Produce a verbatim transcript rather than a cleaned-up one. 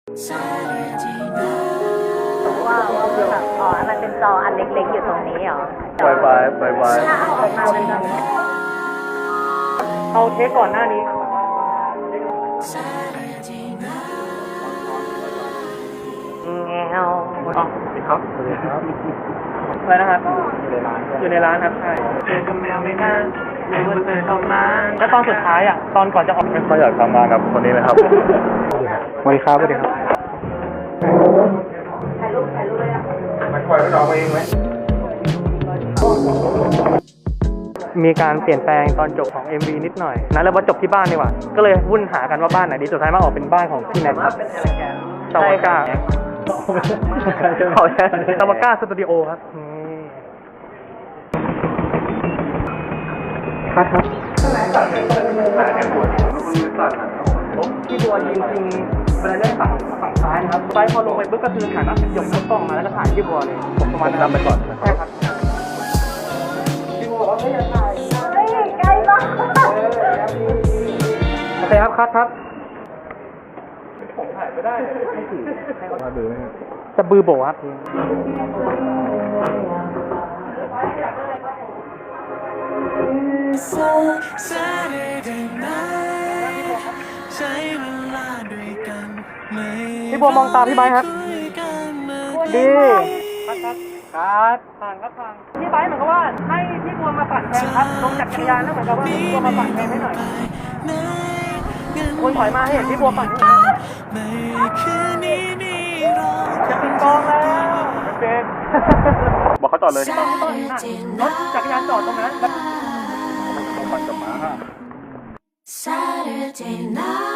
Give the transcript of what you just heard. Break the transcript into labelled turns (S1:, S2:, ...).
S1: ว่าว่าคือแบบอ๋อมันเป็นจออันเล็กๆอยู่ตรงนี้เหรอ
S2: ไวไฟไวไฟ
S1: ถ้าเอาออกมาเป็นแบบนี้
S3: เอาเทคก่อนหน้านี้แงวอ๋อสวัสดีครับสวัสดีครับอะไรนะครับอยู่ในร้านครับใช่เจอกับแมวไม่นานเลยว่าเธอเข้ามาแล้วตอนสุดท้ายอ่ะตอนก่อนจะออก
S2: ไม่ค่อยอยากทำงานกับคนนี้เลยครับสวัสดีครับสวัสดีครับ
S1: ถ่ายรูปถ่ายรูปเลยอ่ะ
S2: มันปล่อยให้น้องเองไหม
S3: มีการเปลี่ยนแปลงตอนจบของ เอ็ม วี นิดหน่อยนะแล้วว่าจบที่บ้านดีกว่าก็เลยวุ่นหากันว่าบ้านไหนดีสุดท้ายมาออกเป็นบ้านของพี่แน็กครับตาวาก้าตาวาก้าสตูดิโอครับครับครับที่บัวจริงๆเวลาเล่นฝั่งฝั่งซ้ายนะครับไปพอลงไปปุ๊บก็คือถ่ายหน้าหยกกล้องมาแล้วก็ถ่ายที่บัวเลยผมประมาณนั้นไปก่อนใช่ครับที่บัวบอกว่าไม่อยากถ่าย
S1: เฮ้ยใกล้มาก
S3: โอเคครับคัดครับผมถ่ายไม่ได้ไม่ถือให้เขา
S2: มาดูไหมครับ
S3: จะบือโบครับพี่บัวมองตาพี่ไบค์ครับดีคัดครับคัดผ่านครับผ่านพี่ไบค์เหมือนกับว่าให้พี่บัวมาปั่นแทนครับลงจากจักรยานแล้วเหมือนกับว่าพี่บัวมาปั่นแทนให้หน่อยคุณถอยมาให้เห็นพี่บัวปั่นจะปิงปองแล้วเป็น
S2: บอกเขาจอดเลย
S3: ต้นต้นน่ะรถจักรยานจอดตรงนั้น
S2: ปั่นกับม้า
S4: Saturday night